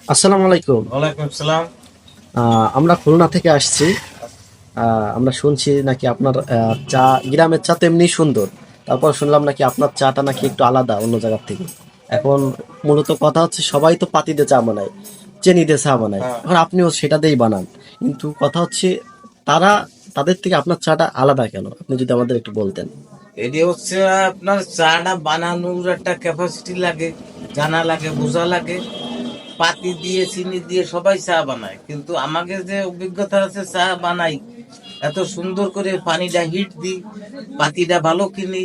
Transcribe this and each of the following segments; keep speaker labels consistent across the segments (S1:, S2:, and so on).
S1: আসসালামু আলাইকুম।
S2: ওয়ালাইকুম আসসালাম।
S1: আমরা খুলনা থেকে আসছি। আমরা শুনছি নাকি আপনার চা, গ্রামের চা তো এমনি সুন্দর, তারপর শুনলাম নাকি আপনার চাটা নাকি একটু আলাদা অন্য জায়গার থেকে। এখন মূলত কথা হচ্ছে সবাই তো পাতি দিয়ে চা বানায়, চিনি দিয়ে চা বানায়,
S2: হ্যাঁ,
S1: এখন আপনিও সেটা দিয়েই বানান, কিন্তু কথা হচ্ছে তারা, তাদের থেকে আপনার চাটা আলাদা কেন, আপনি যদি আমাদের একটু বলতেন।
S2: এটি হচ্ছে আপনার চাটা বানানোর একটা ক্যাপাসিটি লাগে, জানা লাগে, বোঝা লাগে। পাতি দিয়ে চিনি দিয়ে সবাই চা বানায়, কিন্তু আমাকে যে অভিজ্ঞতা আছে চা বানাই, এত সুন্দর করে পানিটা হিট দিই, পাতিটা ভালো কিনি,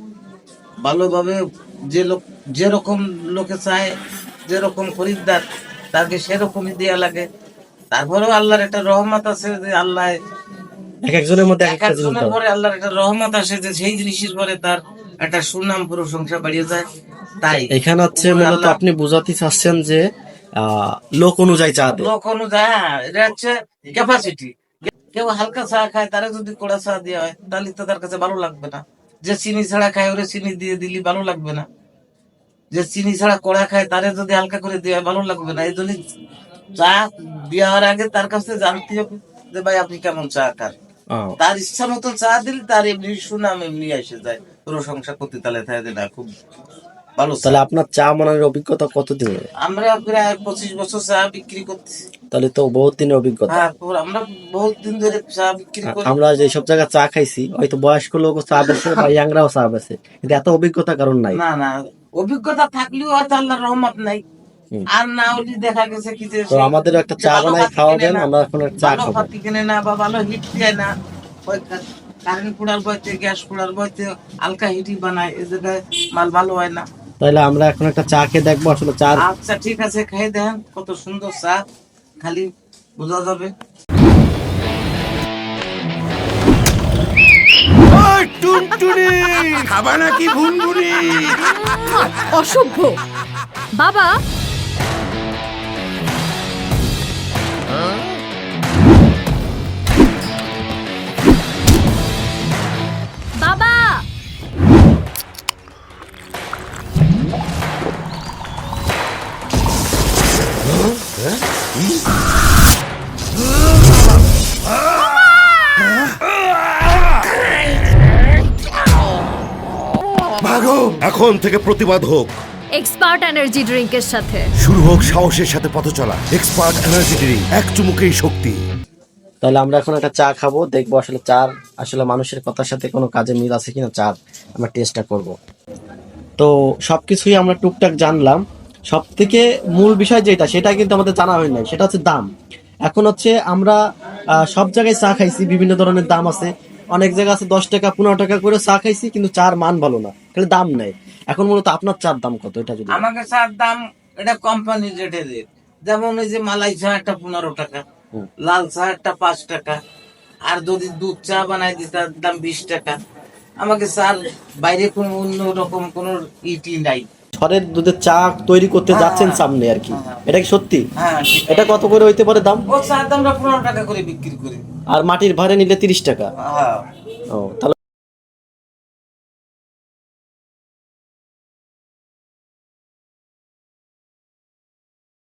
S2: ভালোভাবে। যে লোক যেরকম লোকে চায়, যেরকম খরিদ্দার, তাকে সেরকমই দেয়া লাগে। তারপরেও আল্লাহর একটা রহমত আছে যে আল্লাহ
S1: এক একজনের মধ্যে এক
S2: এক
S1: একটা জিনিস
S2: একজনের
S1: দেওয়া।
S2: পরে আল্লাহর একটা রহমত আসে যে সেই জিনিসের পরে তার একটা সুনাম প্রশংসা বাড়িয়ে যায়। তাই
S1: এখানে হচ্ছে
S2: উপরে
S1: মূলত
S2: আল্লাহ
S1: আপনি বোঝাতে চাচ্ছেন যে লোক অনুযায়ী চা দেয়।
S2: লোক অনুযায়ী, হ্যাঁ, এটা হচ্ছে ক্যাপাসিটি। কেউ হালকা চা খায়, তারা যদি কড়া চা দেওয়া হয় তাহলে তো তার কাছে ভালো লাগবে না। যে চিনি ছাড়া খায় ওরে চিনি দিয়ে দিলি ভালো লাগবে না। যে চিনি ছাড়া কড়া খায় তারে যদি হালকা করে দেওয়া হয় ভালো লাগবে না। এই জন্য চা দেওয়ার আগে তার কাছে জানতে হবে যে ভাই আপনি কেমন চা খান।
S1: আহ,
S2: তার ইচ্ছা মতো চা দিলে তার এমনি সুনাম এমনি এসে যায়, প্রশংসা করতে তাহলে থাকে যে না খুব ভালো চা।
S1: তাহলে আপনার চা বানানোর অভিজ্ঞতা কতদিনের?
S2: আমরা প্রায় 25 বছর চা বিক্রি করতেছি।
S1: তাহলে তো বহুত দিনের অভিজ্ঞতা।
S2: হ্যাঁ, আমরা বহুত দিন ধরে চা বিক্রি করি।
S1: আমরা যে সব জায়গায় চা খাইছি, হয়তো বয়স্ক লোক চা বেছে বা ইয়াংরাও চা বেছে, কিন্তু এত অভিজ্ঞতা কারণ নাই।
S2: না না, অভিজ্ঞতা থাকলেও হয়তো আল্লাহর রহমত নাই।
S1: হুম।
S2: আর না হলে দেখা গেছে কি যে
S1: তো
S2: সেই
S1: আমাদের একটা
S2: যে
S1: চা
S2: ভালো
S1: বানাই
S2: পাতি কিনে
S1: খাওয়াবেন,
S2: না,
S1: আমরা এখন একটা চা
S2: ভালো
S1: খাবো।
S2: পাতি কিনে না বা ভালো হিট দেয় না। ওই কারেন্ট কুড়ার বইতে, গ্যাস কুড়ার বইতে হালকা হিটই বানায়, এ জায়গায় মাল ভালো হয় না।
S1: তাহলে আমরা এখন একটা চা খেয়ে দেখবো আসলে চার।
S2: আচ্ছা ঠিক আছে, খেয়ে দেখেন কত সুন্দর চা, খালি বোঝা যাবে।
S3: ওই টুনটুনি, খাবা নাকি ভুনভুনি?
S4: অসভ্য বাবা। বাবা,
S3: ভাগো, এখন থেকে প্রতিবাদ হোক,
S4: এক্সপার্ট এনার্জি ড্রিঙ্কের সাথে।
S3: শুরু হোক সাহসের সাথে পথ চলা। এক্সপার্ট এনার্জি ড্রিঙ্ক, এক চুমুকেই শক্তি।
S1: তাহলে আমরা এখন একটা চা খাবো, দেখবো আসলে চার আসলে মানুষের কথার সাথে কোনো কাজে মিল আছে কিনা, চার আমরা টেস্টটা করব। তো সবকিছুই আমরা টুকটাক জানলাম, সব থেকে মূল বিষয় যেটা, সেটা কিন্তু আমাদের জানা হয় নাই, সেটা হচ্ছে দাম। এখন হচ্ছে আমরা সব জায়গায় চা খাইছি, বিভিন্ন ধরনের দাম আছে। অনেক জায়গা আছে 10 টাকা 15 টাকা করে চা খাইছি, কিন্তু চার মান ভালো না, খালি দাম নেই। এখন মূলত আপনার চার দাম কত, এটা যদি।
S2: আমাকে চার দাম, এটা কোম্পানির রেটে রেট। যেমন এই যে মালাই চা একটা 15 টাকা,
S1: হুম।
S2: লাল চা একটা 5 টাকা, আর যদি দুধ চা বানাই দিই তার দাম 20 টাকা। আমাকে চার বাইরে কোনো অন্য রকম কোনো ইটি নাই।
S1: ঘরের দুধের চা তৈরি করতে যাচ্ছেন সামনে আর কি, এটা কি সত্যি?
S2: হ্যাঁ ঠিক
S1: এটা
S2: আছে।
S1: কত করে হইতে পারে দাম?
S2: ও চার দাম আমরা 15 টাকা করে বিক্রি করি।
S1: আর মাটির ভাড়ে নিলে 30 টাকা।
S2: হ্যাঁ।
S1: ও, তাহলে